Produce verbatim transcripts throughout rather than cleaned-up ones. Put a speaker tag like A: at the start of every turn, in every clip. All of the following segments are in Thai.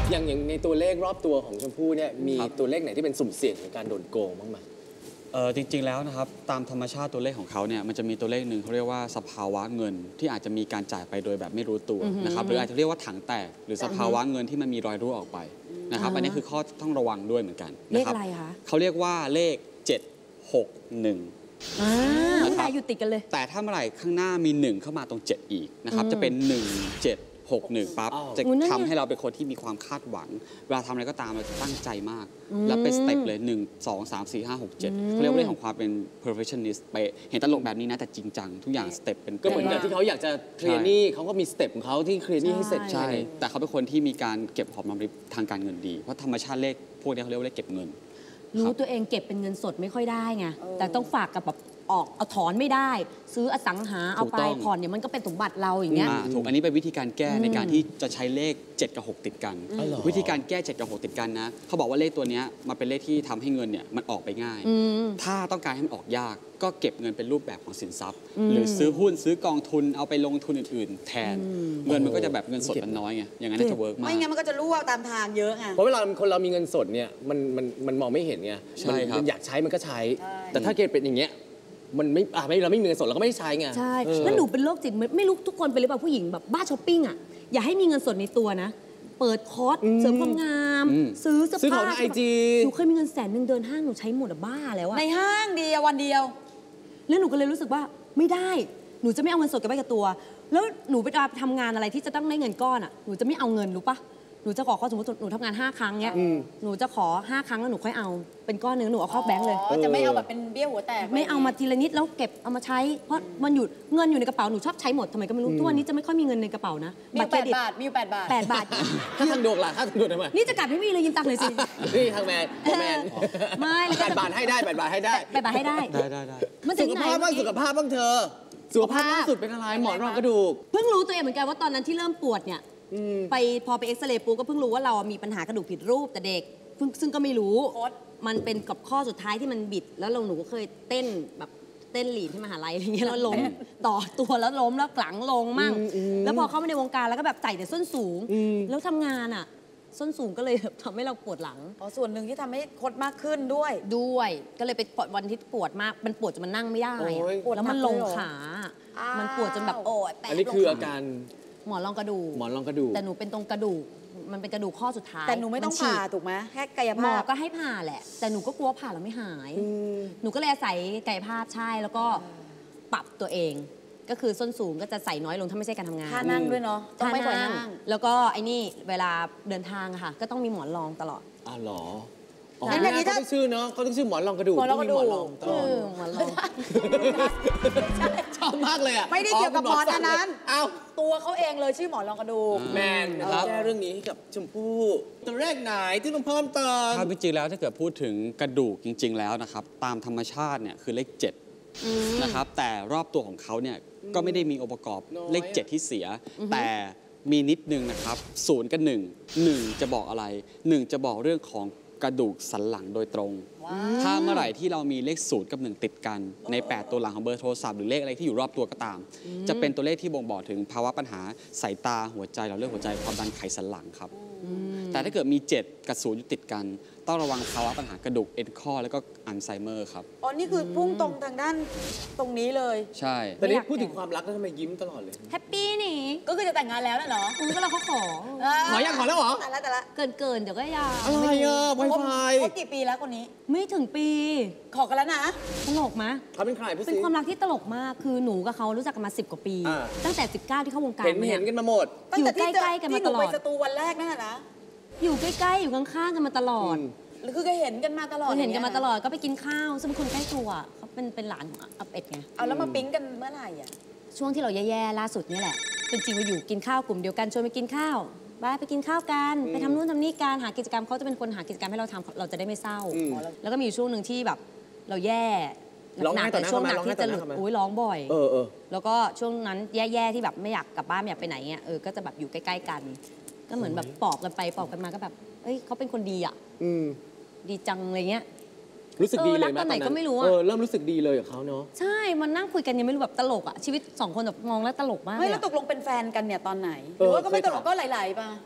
A: อย่างอย่างในตัวเลขรอบตัวของชมพู่เนี่ยมีตัวเลขไหนที่เป็นสุ่มเสี่ยงในการโดนโกงบ้างไหม
B: เออจริงๆแล้วนะครับตามธรรมชาติตัวเลขของเขาเนี่ยมันจะมีตัวเลขหนึ่งเขาเรียกว่าสภาวะเงินที่อาจจะมีการจ่ายไปโดยแบบไม่รู้ตัวนะครับหรืออาจจะเรียกว่าถังแตกหรือสภาวะเงินที่มันมีรอยรั่วออกไปนะครับอันนี้คือข้อต้องระวังด้วยเหมือนกันเลขอะไรคะเขาเรียกว่าเลขเจ็ดหกหนึ่ง
C: อ่าแต่อยู่ติดกันเลย
B: แต่ถ้าเมื่อไหร่ข้างหน้ามีหนึ่งเข้ามาตรงเจ็ดอีกนะครับจะเป็นหนึ่งเจ็ดหกหนึ่งปั๊บจะทำให้เราเป็นคนที่มีความคาดหวังเวลาทำอะไรก็ตามเราจะตั้งใจมากแล้วเป็นสเต็ปเลยหนึ่งสองสามสี่ห้าหกเจ็ดเขาเรียกว่าเรื่องของความเป็น perfectionist ไปเห็นตลกแบบนี้นะแต่จริงจังทุกอย่างสเต็ปเป็น
A: ก็เหมือนกับที่เขาอยากจะเคลียร์หนี้เขาก็มีสเต็ปของเขาที่เคลียร์หนี้ให้เสร็จ
B: ใช่แต่เขาเป็นคนที่มีการเก็บหอมรอมริบทางการเงินดีเพราะธรรมชาติเลขพวกนี้เขาเรียกว่าเลขเก็บเงิน
C: รู้ตัวเองเก็บเป็นเงินสดไม่ค่อยได้ไงแต่ต้องฝากกับแบบออกเอาถอนไม่ได้ซื้ออสังหาเอาไปผ่อนเนี่ยมันก็เป็นสมบัติเราอย่างเงี้ย
B: ถูกอันนี้เป็นวิธีการแก้ในการที่จะใช้เลขเจ็ดกับหกติดกันวิธีการแก้เจ็ดกับหกติดกันนะเขาบอกว่าเลขตัวนี้มันเป็นเลขที่ทำให้เงินเนี่ยมันออกไปง่ายถ้าต้องการให้มันออกยากก็เก็บเงินเป็นรูปแบบของสินทรัพย์หรือซื้อหุ้นซื้อกองทุนเอาไปลงทุนอื่นๆแทนเงินมันก็จะแบบเงินสดมันน้อยไงอย่างนั้นจะเวิร์กมาก
D: ไม่งั้นมันก็จะรั่วตามทางเยอะไง
A: เพราะเวลาคนเรามีเงินสดเนี่ยมันมันมันมองไม่เห็นไงมันอยากใช้มันก็ใช้แต่ถ้าเกิดเป็นอย่างเงี้ยมันไม่อ่ะไม่เราไม่มีเงินสดเราก็ไม่ใช้ไง
C: ใช่แล้วหนูเป็นโรคจิตไม่รู้ทุกคนเป็นหรือเปล่าผู้หญิงแบบบ้าช้อปปิ้งอ่ะอย่าให้มีเงินสดในตัวนะเปิดคอร์สเสริมความงามซื้อเสื้อผ้า
A: ซื้อของในไอจี
C: หนูเคยมีเงินแสนหนึ่งเดินห้างหนูใช้หมดอะบ้าแล้วอะ
D: ในห้างเดียววันเดียว
C: แล้วหนูก็เลยรู้สึกว่าไม่ได้หนูจะไม่เอาเงินสดเก็บไว้กับตัวแล้วหนูไปทำงานอะไรที่จะต้องได้เงินก้อนอ่ะหนูจะไม่เอาเงินรู้ปะหนูจะขอข้อสมมติหนูทำงานห้าครั้งเนี้ยหนูจะขอห้าครั้งแล้วหนูค่อยเอาเป็นก้อนหนึ่งหนูเอาเข้าแบงค์เลย
D: จะไม่เอาแบบเป็นเบี้ยหัวแตก
C: ไม่เอามาทีละนิดแล้วเก็บเอามาใช้เพราะมันอยู่เงินอยู่ในกระเป๋าหนูชอบใช้หมดทำไมก็ไม่รู้ทุกวันนี้จะไม่ค่อยมีเงินในกระเป๋านะ
D: มีแปดบาทมีแปดบาท
C: แปดบาท
A: ถ้าทางดวงล่ะถ้าทางดวงทำไม
C: นี่จะกลับไม่มีเลยยืมตังค์เลยสิ
A: นี่ทางแมนแมน
C: ไม่
A: แปดบาทให้ได้แปดบาทให้ได้
C: แปดบาทให้ได้
B: ได้ได้ได้
A: สุขภาพบ้างสุขภาพบ้างเธอสุขภาพล่าสุดเป็นอะไรหมอนรองกระดูก
C: เพิ่งรู้ตัวเองเหมือนกันว่าตอนนั้นที่เริ่มปวดเนี่ยไปพอไปเอ็กซเรย์ปูก็เพิ่งรู้ว่าเรามีปัญหากระดูกผิดรูปแต่เด็กซึ่งก็ไม่รู้มันเป็นกับข้อสุดท้ายที่มันบิดแล้วเราหนูก็เคยเต้นแบบเต้นหลีดที่มหาลัยอะไรเงี้ยแล้วล้มต่อตัวแล้วล้มแล้วกลังลงมั่งแล้วพอเข้ามาในวงการแล้วก็แบบใส่แต่ส้นสูงแล้วทำงานอ่ะส้นสูงก็เลยทำให้เราปวดหลัง
D: อ๋อส่วนหนึ่งที่ทำให้คดมากขึ้นด้วย
C: ด้วยก็เลยไปวันที่ปวดมากมันปวดจนมันนั่งไม่ได้แล้วมันลงขามันปวดจนแบบโอ้
A: ยอันนี้คืออาการ
C: หมอนรองกระดูก
A: หมอนรองกระดูก
C: แต่หนูเป็นตรงกระดูกมันเป็นกระดูกข้อสุดท้าย
D: แต่หนูไม่ต้องผ่าถูกไหมแค่กายภาพ
C: หมอก็ให้ผ่าแหละแต่หนูก็กลัวผ่าแล้วไม่หายหนูก็เลยอาศัยกายภาพใช่แล้วก็ปรับตัวเองก็คือส้นสูงก็จะใส่น้อยลงถ้าไม่ใช่การทำงาน
D: ท่านั่งด้วยเนาะ
C: ต้องไม่ปล่อยนั่งแล้วก็ไอ้นี่เวลาเดินทางค่ะก็ต้องมีหมอนรองตลอด
A: อ๋อเหรองั้นอย่างนี้เขาต้องชื่อเนาะเขาต้องชื่อหมอนรองกระดูก
D: หมอนรองกระดูก
C: หมอนรอง
A: ชอบมากเลยอ่ะ
D: ไม่ได้เกี่ยวกับหมอนอันนั้นเอาตัวเขาเองเลยชื่อหมอนรองกระดูก
A: แมนนะครับแก้เรื่องนี้ให้กับชมพู่ตัวแรกไหนที่ต้องเพิ่มเติม
B: ถ้าจริงๆแล้วถ้าเกิดพูดถึงกระดูกจริงๆแล้วนะครับตามธรรมชาติเนี่ยคือเลขเจ็ดนะครับแต่รอบตัวของเขาเนี่ยก็ไม่ได้มีองค์ประกอบเลขเจ็ดที่เสียแต่มีนิดนึงนะครับศูนย์กับหนึ่งหนึ่งจะบอกอะไรหนึ่งจะบอกเรื่องของกระดูกสันหลังโดยตรงถ้าเมื่อไหร่ที่เรามีเลขศูนย์กับหนึ่งติดกันในแปดตัวหลังของเบอร์โทรศัพท์หรือเลขอะไรที่อยู่รอบตัวก็ตามจะเป็นตัวเลขที่บ่งบอกถึงภาวะปัญหาสายตาหัวใจเราเรื่องหัวใจความดันไขสันหลังครับแต่ถ้าเกิดมีเจ็ดกับศูนย์อยู่ติดกันต้องระวังภาวะปัญหากระดูกเอ็นข้อแล้วก็อัลไซเมอร์ครับ
D: อ๋อนี่คือพุ่งตรงทางด้านตรงนี้เลย
B: ใช่
A: แต่นี่พูดถึงความรักแล้วทำไมยิ้มตลอดเลย
C: แฮปปี้นี่
D: ก็คือจะแต่งงานแล้วน่ะเนาะ
C: ก็เราเขาขอ
A: ขอยังขอแล้วเหรอ
D: แต่ละแต่ละ
C: เกินเกินเดี๋ยวก็ยา
A: อะไรอ่ะไวไฟ
D: เขากี่ปีแล้วคนนี้
C: ไม่ถึงปี
D: ขอกันแล้วนะ
C: ตลกไหม
A: เขาเป็นใคร
C: เป็นความรักที่ตลกมากคือหนูกับเขารู้จักกันมาสิบกว่าปีตั้งแต่สิบเก้าที่เข้าวงการ
A: เห็นเห็นกันมาหมด
C: อยู่ใกล้ๆกันมาตลอด
D: ที่หนูไปสตูวันแรกนั่นนะ
C: อยู่ใกล้ๆอยู่ข้างๆกันมาตลอด
D: หรือคือก็เห็นกันมาตลอด
C: เห็นกันมาตลอดก็ไปกินข้าวซึ่งเป็นคนใกล้ตัวเขาเป็นเป็นหลานของอับเอ็ดไง
D: เอาแล้วมาปิ๊งกันเมื่อไหร่อ่ะ
C: ช่วงที่เราแย่ๆล่าสุดนี่แหละเป็นจริงมาอยู่กินข้าวกลุ่มเดียวกันชวนไปกินข้าวไปไปกินข้าวกันไปทำนู่นทำนี่การหากิจกรรมเขาจะเป็นคนหากิจกรรมให้เราทำเราจะได้ไม่เศร้าแล้วก็มีช่วงหนึ่งที่แบบเราแย่หนักแต่ช่วงหนักที่จะหลุดอุ้ยร้องบ่อยแล้วก็ช่วงนั้นแย่ๆที่แบบไม่อยากกลับบ้านไม่อยากไปไหนเงี้ยเออก็จะแบบอยู่ใกล้ๆกันก็เหมือนแบบปอบกันไปปอบกันมาก็แบบเอ้ยเขาเป็นคนดีอ่ะดีจังอะไรเงี้ย
A: รู้สึกดีเลยไหม
C: ตอนไหนก็ไม่รู้อ่ะ
A: เริ่มรู้สึกดีเลยกับเขาเนาะ
C: ใช่มันนั่งคุยกันยังไม่รู้แบบตลกอ่ะชีวิตสองคนแบบมองแล้วตลกมาก
D: ไม่แล้วตกลงเป็นแฟนกันเนี่ยตอนไหนหรือว่าก็ไม่ตลกก็ไหลๆป่ะ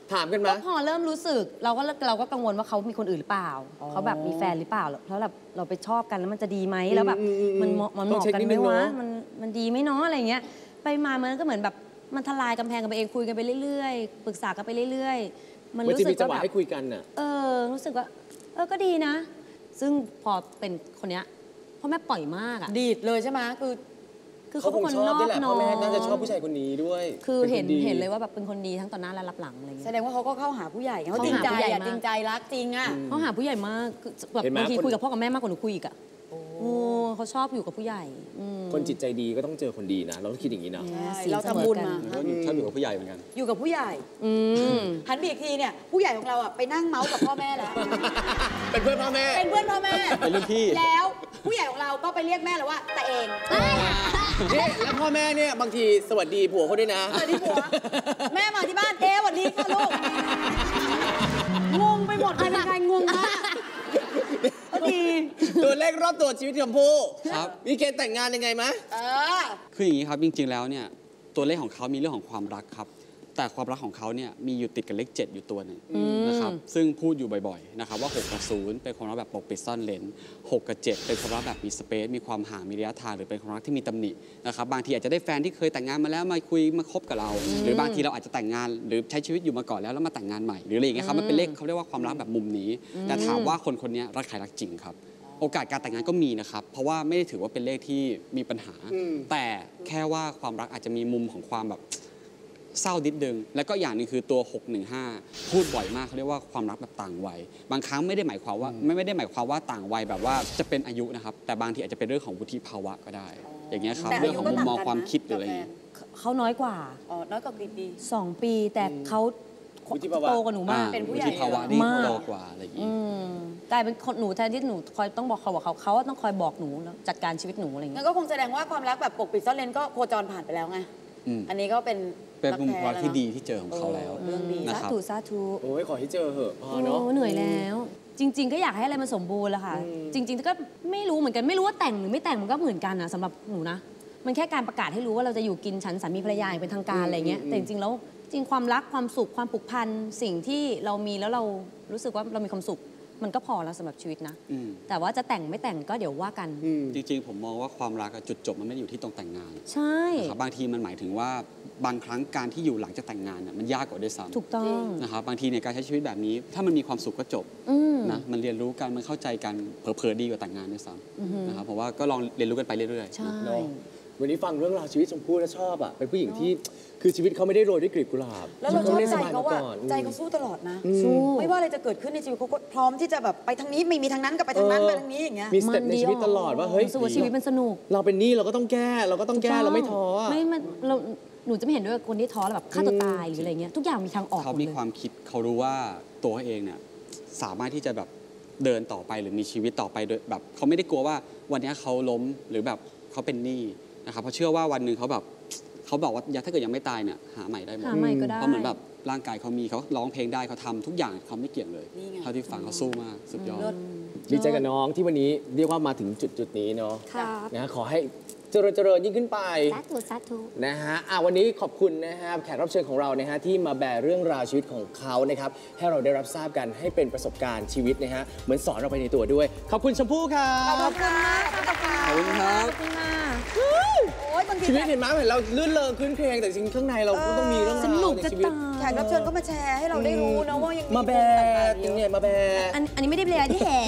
A: ถามกันไหม
C: ก็พอเริ่มรู้สึกเราก็เราก็กังวลว่าเขามีคนอื่นหรือเปล่าเขาแบบมีแฟนหรือเปล่าแล้วแบบเราไปชอบกันแล้วมันจะดีไหมแล้วแบบมันเหมาะมันเหมาะกันไหมวะมันมันดีไหมเนาะอะไรเงี้ยไปมามันก็เหมือนแบบมันทลายกำแพงกันไปเองคุยกันไปเรื่อยๆปรึกษากันไปเรื่อยๆมันรู้สึกว่าแบบให้คุยกันน่ะเออรู้สึกว่าเออก็ดีนะซึ่งพอเป็นคนเนี้ยพ่อแม่ปล่อยมากอ่ะ
D: ดีดเลยใช่ไหมคือ
C: คือเขาเป็นคนนอบน้อม
A: พ่อแม่น่าจะชอบผู้ชายคนนี้ด้วย
C: คือเห็นเห็นเลยว่าแบบเป็นคนดีทั้งต่อหน้าและรับหลังอะไรเงี้ย
D: แสดงว่าเขาก็เข้าหาผู้ใหญ่เขาจริงใจอ่ะจริงใจรักจริงอ่ะ
C: เขาหาผู้ใหญ่มากแบบบางทีคุยกับพ่อกับแม่มากกว่าหนูคุยอีกอ่ะโอ้เขาชอบอยู่กับผู้ใหญ่
A: คนจิตใจดีก็ต้องเจอคนดีนะเราต้องคิดอย่างนี้นะ
D: เราทำบุญมา
B: ชอบอยู่กับผู้ใหญ่เหมือนกัน
D: อยู่กับผู้ใหญ่หันไปอีกทีเนี่ยผู้ใหญ่ของเราอ่ะไปนั่งเมาส์กับพ่อแม่แล้ว
A: เป็นเพื่อนพ่อแม่
D: เป็นเพื่อนพ่อแม่
B: เป็นรุ่นพี่
D: แล้วผู้ใหญ่ของเราก็ไปเรียกแม่แล้วว่าแต่เอง
A: นี่แล้วพ่อแม่เนี่ยบางทีสวัสดีผัวเขาด้วยนะ
D: สวัสดีผัวแม่มาที่บ้านเอ๊ะสวัสดีค่ะลูกงงไปหมดเลยเป็นไงงงมากดี
A: ตัวเลขรอบตัวชีวิตชมพู่ครับมีเกณฑ์แต่งงานยังไงมะ
B: คืออย่างนี้ครับจริงๆแล้วเนี่ยตัวเลขของเขามีเรื่องของความรักครับแต่ความรักของเขาเนี่ยมีอยู่ติดกับเลขเจ็ดอยู่ตัวหนึ่งนะครับซึ่งพูดอยู่บ่อยๆนะครับว่าหกกับศูนย์เป็นความรักแบบปกปิดซ่อนเร้นหกกับเจ็ดเป็นความรักแบบมีสเปซมีความห่างมีระยะทางหรือเป็นความรักที่มีตำหนินะครับบางทีอาจจะได้แฟนที่เคยแต่งงานมาแล้วมาคุยมาคบกับเรา หรือบางทีเราอาจจะแต่งงานหรือใช้ชีวิตอยู่มาก่อนแล้วแล้วมาแต่งงานใหม่หรืออะไรอย่างเงี้ยครับมันเป็นเลขเขาเรียกว่าความรักแบบมุมนี้แต่ถามว่าคนคนนี้รักใครรักจริงครับโอกาสการแต่งงานก็มีนะครับเพราะว่าไม่ได้ถือว่าเป็นเลขที่มีปัญหาแต่แค่ว่าความรักอาจจะมีมุมของความแบบเศร้านิดนึงแล้วก็อย่างนึงคือตัวหกหนึ่งห้าพูดบ่อยมากเขาเรียกว่าความรักแบบต่างวัยบางครั้งไม่ได้หมายความว่าไม่ไม่ได้หมายความว่าต่างวัยแบบว่าจะเป็นอายุนะครับแต่บางทีอาจจะเป็นเรื่องของวุฒิภาวะก็ได้อย่างเงี้ยครับเรื่องของมุมมองความคิดหรืออะไร
C: เขาน้อยกว่า
D: อ๋อน้อยกว่ากี่ปี
C: สองปีแต่เขาโตกว่าหนูมาก
B: เป็นผู้ใหญ่วุฒิภาวะนี่โตกว่าอะไรอย่างงี้
C: กลายเป็นคนหนูแทนที่หนูคอยต้องบอกเขาว่าเขาเขาต้องคอยบอกหนูจัดการชีวิตหนูอะไรอย่างเงี้
D: ยงั้นก็คงแสดงว่าความรักแบบปกปิดซ่อนเร้นก็โคจรผ่านไปแล้วไงอันนี้ก็เป็น
B: เป็นมุมความที่ดีที่เจอของเขาแล้ว
D: เรื่องดี
C: สาธุสาธุ
A: โอ้ยขอให้เจอเหอะพอเนาะ
C: เหนื่อยแล้วจริงๆก็อยากให้อะไรมันสมบูรณ์แหละค่ะจริงๆก็ไม่รู้เหมือนกันไม่รู้ว่าแต่งหรือไม่แต่งมันก็เหมือนกันนะสำหรับหนูนะมันแค่การประกาศให้รู้ว่าเราจะอยู่กินฉันสามีภรรยาอย่างเป็นทางการอะไรเงี้ยแต่จริงๆแล้วจริงความรักความสุขความผูกพันสิ่งที่เรามีแล้วเรารู้สึกว่าเรามีความสุขมันก็พอแล้วสำหรับชีวิตนะแต่ว่าจะแต่งไม่แต่งก็เดี๋ยวว่ากัน
B: จริงๆผมมองว่าความรักจุดจบมันไม่ได้อยู่ที่ตรงแต่งงาน
C: ใช่
B: บางทีมันหมายถึงว่าบางครั้งการที่อยู่หลังจากแต่งงานมันยากกว่าด้วยซ้ำ
C: ถูกต้อง
B: นะครับบางทีในการใช้ชีวิตแบบนี้ถ้ามันมีความสุขก็จบนะมันเรียนรู้กันมันเข้าใจกันเผลอๆดีกว่าแต่งงานด้วยซ้ำนะครับเพราะว่าก็ลองเรียนรู้กันไปเรื่อย
C: ๆใช่
A: วันนี้ฟังเรื่องราวชีวิตชมพู่แล้วชอบอ่ะเป็นผู้หญิงที่คือชีวิตเขาไม่ได้โรยด้วยกลีบกุหลาบ
D: แล้วเราชอบใจเขาว่าใจเขาสู้ตลอดนะสู้ไม่ว่าอะไรจะเกิดขึ้นในชีวิตเขาก็พร้อมที่จะแบบไปทางนี้ไม่มีทางนั้นก็ไปทางนั้นไปทางนี้อย่างเงี้ย
A: มีสเต็ปในชีวิตตลอดว่าเฮ้ย
C: ชีวิตมันสนุก
A: เราเป็นนี่เราก็ต้องแก้เราก็ต้องแก้เราไม่ท้อ
C: ไม่มันเราหนูจะไม่เห็นด้วยคนที่ท้อแล้วแบบฆ่าตัวตายหรืออะไรเงี้ยทุกอย่างมีทางออก
B: เขามีความคิดเขารู้ว่าตัวเขาเองเนี่ยสามารถที่จะแบบเดินต่อไปหรือมีชีวิตต่อไปโดยแบบเขาไม่ได้กลัวว่าวันนี้เขาล้มหรือแบบเขาเป็นหนี้นะครับเพราะเชื่อว่าวันหนึ่งเขาแบบเขาบอกว่าถ้าเกิดยังไม่ตายเนี่ยหาใหม่ได้หมดเพราะเหมือนแบบร่างกายเขามีเขาร้องเพลงได้เขาทำทุกอย่างเขาไม่เกี่ยงเลยเท่าที่ฟังเขาสู้มากสุดยอด
A: ดีใจกับน้องที่วันนี้เรียกว่ามาถึงจุดจุดนี้เนาะนะขอให้เจริญเจริญยิ่งขึ้นไป
C: สาธุสาธุ
A: นะฮะอ่ะวันนี้ขอบคุณนะครับแขกรับเชิญของเรานะฮะที่มาแบร์เรื่องราวชีวิตของเขานะครับให้เราได้รับทราบกันให้เป็นประสบการณ์ชีวิตนะฮะเหมือนสอนเราไปในตัวด้วยขอบคุณชมพู่ครับ
D: ขอบคุณมากขอบคุณ
B: ขอบคุณครับ
C: ขอบคุณค่ะ
A: ชีวิตเห็นไหมเห็นเราลื่นเลงขึ้นเพลงแต่จริงข้างในเราก็ต้องมีเรื่องราวในชีวิต
D: แขกรับเชิญก็มาแชร์ให้เราได้รู้นะว่ายัง
A: มาแบร์ยังไงมาแบร์
C: อันนี้ไม่ได้แบร์ที่แห่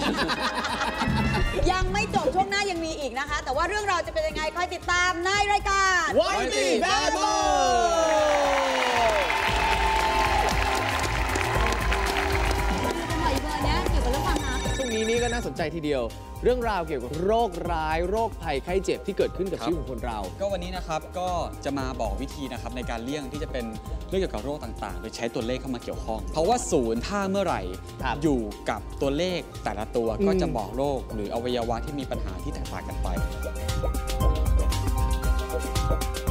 D: ยังไม่จบช่วงหน้ายังมีอีกนะคะแต่ว่าเรื่องราวจะเป็นยังไงคอยติดตามในรายการ
A: วายตีแบร์บอยช่วงนี้นี่ก็น่าสนใจทีเดียวเรื่องราวเกี่ยวกับโรคร้ายโรคภัยไข้เจ็บที่เกิดขึ้นกับชีวิตของคนเรา
B: ก็วันนี้นะครับก็จะมาบอกวิธีนะครับในการเลี่ยงที่จะเป็นเรื่องเกี่ยวกับโรคต่างๆโดยใช้ตัวเลขเข้ามาเกี่ยวข้องเพราะว่าศูนย์ถ้าเมื่อไหร่อยู่กับตัวเลขแต่ละตัวก็จะบอกโรคหรืออวัยวะที่มีปัญหาที่แตกต่างกันไป